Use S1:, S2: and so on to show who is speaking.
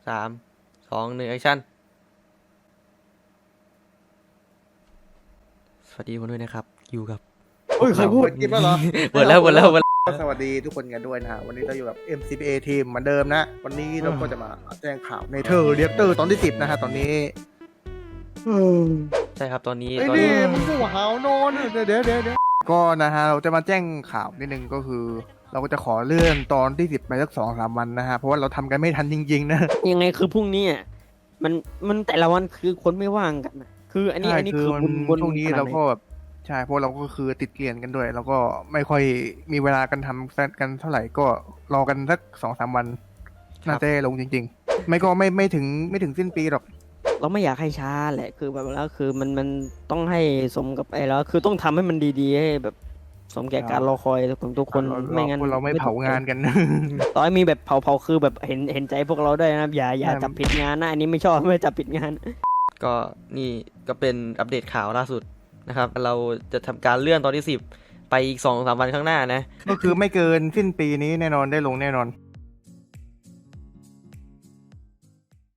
S1: 3 2 1แอคชั่นสวัสดีคนด้วยนะครับอยู่กับ
S2: เฮ้ยใครพูดกินแล้วเหรอ
S1: เปิดแล้ว
S2: สวัสดีทุกคนกันด้วยนะฮะวันนี้เราอยู่กับ MCPA ทีมเหมือนเดิมนะวันนี้เราก็จะมาแจ้งข่าวในเธอเรียกเตอร์ตอนที่10นะฮะตอนนี้
S1: ใช่ครับตอนนี้
S2: ไอ้นี่มึงกูหาวนอนเดี๋ยวก็นะฮะเราจะมาแจ้งข่าวนิดนึงก็คือ เราก็จะขอเลื่อนตอนที่10ไปสัก2-3 วันนะฮะเพราะว่าเราทำกันไม่ทันจริงๆนะ
S3: ยังไงคือพรุ่งนี้อ่ะมันแต่ละวันคือคนไม่ว่างกันนะคืออันนี้
S2: ใช่
S3: อันนี้
S2: คือ
S3: คือ
S2: มัน
S3: บน
S2: ช่วงนี้
S3: ขนด
S2: เรา
S3: ไห
S2: ก็แบบใช่เพราะเราก็คือติดเรียนกันด้วย แล้วก็ไม่ค่อยมีเวลากันทำกันเท่าไหร่ก็รอกันสัก2-3 วันน่าจะลงจริงๆ ไม่ก็ไม่ถึงสิ้นปีหรอก
S3: เราไม่อยากให้ช้าแหละคือแบบแล้วคือมันต้องให้สมกับไอ้แล้วคือต้องทำให้มันดีๆให้แบบสมแก่การรอคอยของทุกคนไม่งั้น
S2: พวกเราไม่เผางานกัน
S3: ต่อให้มีแบบเผาคือแบบเห็นใจพวกเราด้วยนะครับอย่า
S2: ใช่
S3: จับผิดงานนะอันนี้ไม่ชอบไม่จับผิดงาน
S1: ก็นี่ก็เป็นอัปเดตข่าวล่าสุดนะครับเราจะทำการเลื่อนตอนที่10ไปอีก 2-3 วันข้างหน้านะ
S2: ก็คือไม่เกินสิ้นปีนี้แน่นอนได้ลงแน่นอน